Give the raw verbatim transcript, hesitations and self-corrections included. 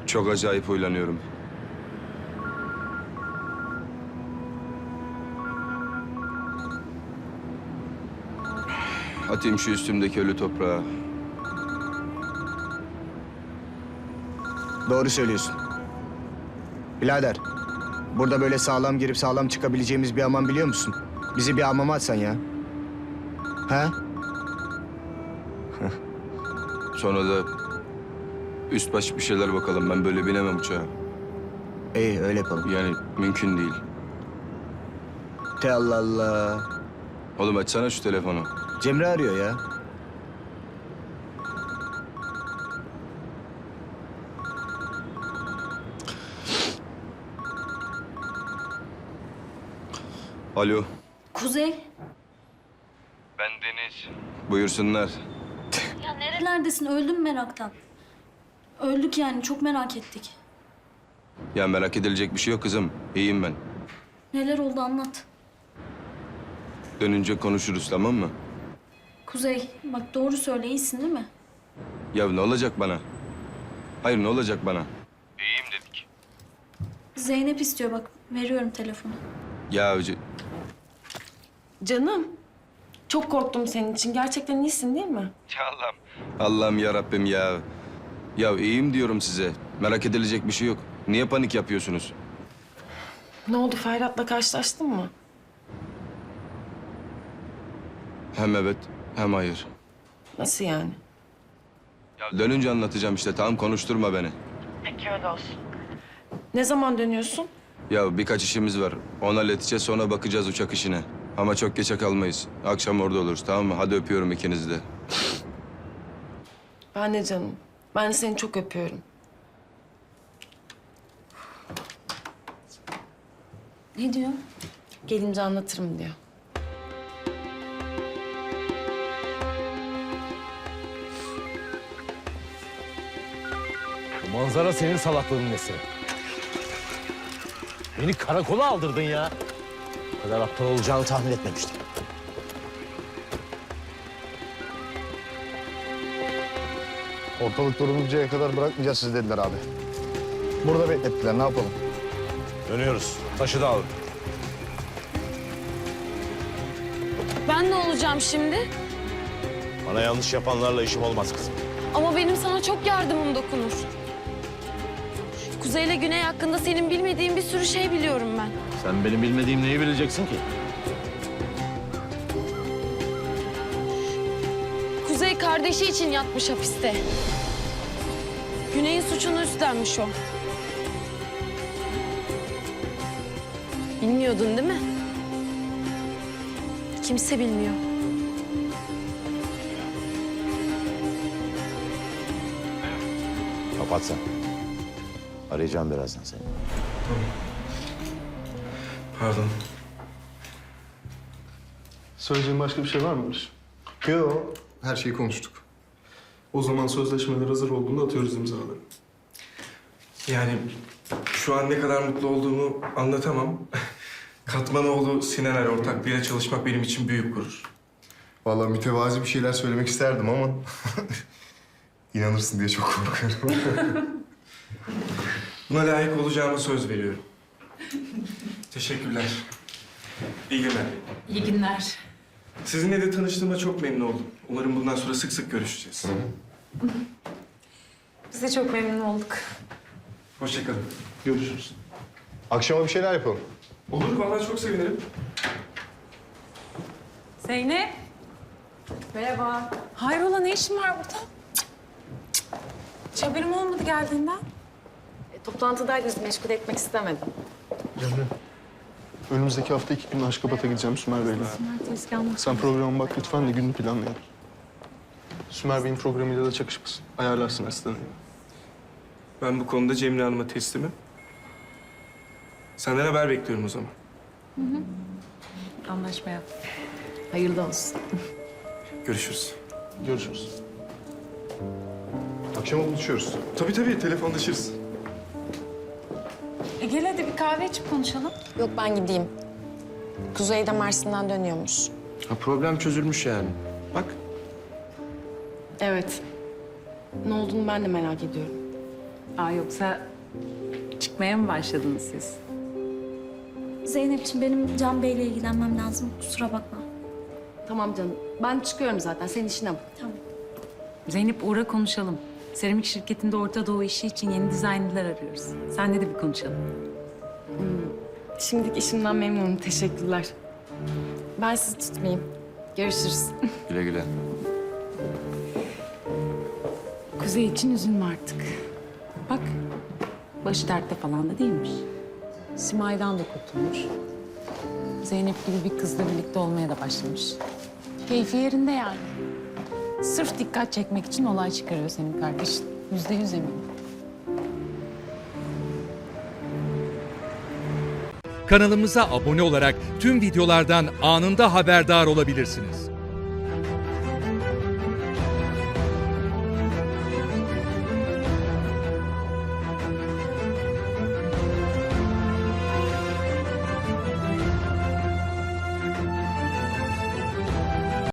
Çok acayip huylanıyorum. Atayım şu üstümdeki ölü toprağa. Doğru söylüyorsun. Birader, burada böyle sağlam girip sağlam çıkabileceğimiz bir hamam biliyor musun? Bizi bir hamama atsan ya. He? Sonra da üst baş bir şeyler bakalım. Ben böyle binemem uçağa. İyi, öyle yapalım. Yani mümkün değil. Te Allah Allah. Oğlum açsana şu telefonu. Cemre arıyor ya. Alo. Kuzey. Ben Deniz. Buyursunlar. Ya nerelerdesin? Öldüm meraktan. Öldük yani. Çok merak ettik. Ya merak edilecek bir şey yok kızım. İyiyim ben. Neler oldu anlat. Dönünce konuşuruz, tamam mı? Kuzey bak doğru söyle, iyisin değil mi? Ya ne olacak bana? Hayır, ne olacak bana? İyiyim dedik. Zeynep istiyor bak. Veriyorum telefonu. Ya c- Canım, çok korktum senin için. Gerçekten iyisin değil mi? Ya Allah'ım. Allah'ım ya Rabbim ya. Ya iyiyim diyorum size. Merak edilecek bir şey yok. Niye panik yapıyorsunuz? Ne oldu, Ferhat'la karşılaştın mı? Hem evet, hem hayır. Nasıl yani? Ya dönünce anlatacağım işte. Tamam, konuşturma beni. Peki öyle olsun. Ne zaman dönüyorsun? Ya birkaç işimiz var. Onu halledeceğiz, sonra bakacağız uçak işine. Ama çok geçe kalmayız. Akşam orada oluruz, tamam mı? Hadi öpüyorum ikinizi de. Ben de canım. Ben de seni çok öpüyorum. Ne diyor? Gelince anlatırım diyor. Bu manzara senin salaklığının nesi? Beni karakola aldırdın ya. Bu kadar aptal olacağını tahmin etmemiştim. Ortalık duruluncaya kadar bırakmayacağız sizi dediler abi. Burada beklettiler, ne yapalım? Dönüyoruz. Taşı da alın. Ben ne olacağım şimdi? Bana yanlış yapanlarla işim olmaz kızım. Ama benim sana çok yardımım dokunur. Kuzey ile Güney hakkında senin bilmediğin bir sürü şey biliyorum ben. Sen benim bilmediğim neyi bileceksin ki? Kuzey kardeşi için yatmış hapiste. Güney'in suçunu üstlenmiş o. Bilmiyordun değil mi? Kimse bilmiyor. Kapat sen. Arayacağım birazdan seni. Pardon. Söyleyeceğin başka bir şey var mı Barış? Yok, her şeyi konuştuk. O zaman sözleşmeler hazır olduğunda atıyoruz imzaları. Yani şu an ne kadar mutlu olduğumu anlatamam. Katmanoğlu Sinan ortaklığıyla çalışmak benim için büyük gurur. Vallahi mütevazi bir şeyler söylemek isterdim ama... inanırsın diye çok korkuyorum. Buna layık olacağıma söz veriyorum. Teşekkürler. İyi günler. İyi günler. Sizinle de tanıştığıma çok memnun oldum. Umarım bundan sonra sık sık görüşeceğiz. Biz de çok memnun olduk. Hoşça kalın. Görüşürüz. Akşama bir şeyler yapalım. Olur, vallahi çok sevinirim. Zeynep. Merhaba. Hayrola, ne işin var burada? Cık, cık. Hiç haberim olmadı geldiğinden. E, toplantıdaydınız, meşgul etmek istemedim. Cemre. Önümüzdeki hafta iki gün Aşkabat'a gideceğim Sümer Bey'le. Sen programa bak lütfen de gününü planlayalım. Sümer Bey'in programıyla da çakışmasın. Ayarlarsın asistanı. Ben bu konuda Cemre Hanım'a teslimim. Senden haber bekliyorum o zaman. Anlaşma yap. Hayırlı olsun. Görüşürüz. Görüşürüz. Akşama buluşuyoruz. Tabii tabii, telefonlaşırız. E gel hadi bir kahve içip konuşalım. Yok, ben gideyim. Kuzey de Mersin'den dönüyormuş. Ha, problem çözülmüş yani. Bak. Evet. Ne olduğunu ben de merak ediyorum. Aa, yoksa çıkmaya mı başladınız siz? Zeynep'ciğim benim Can Bey'le ilgilenmem lazım. Kusura bakma. Tamam canım. Ben çıkıyorum zaten. Senin işine bak. Tamam. Zeynep, uğra konuşalım. Seramik şirketinde Orta Doğu işi için yeni dizaynlar arıyoruz. Senle de bir konuşalım. Şimdilik işimden memnunum. Teşekkürler. Ben sizi tutmayayım. Görüşürüz. Güle güle. Kuzey için üzülme artık. Bak, başı dertte falan da değilmiş. Simay'dan da kurtulmuş. Zeynep gibi bir kızla birlikte olmaya da başlamış. Keyfi yerinde yani. Sırf dikkat çekmek için olay çıkarıyor senin kardeşin. Yüzde yüz eminim. Kanalımıza abone olarak tüm videolardan anında haberdar olabilirsiniz.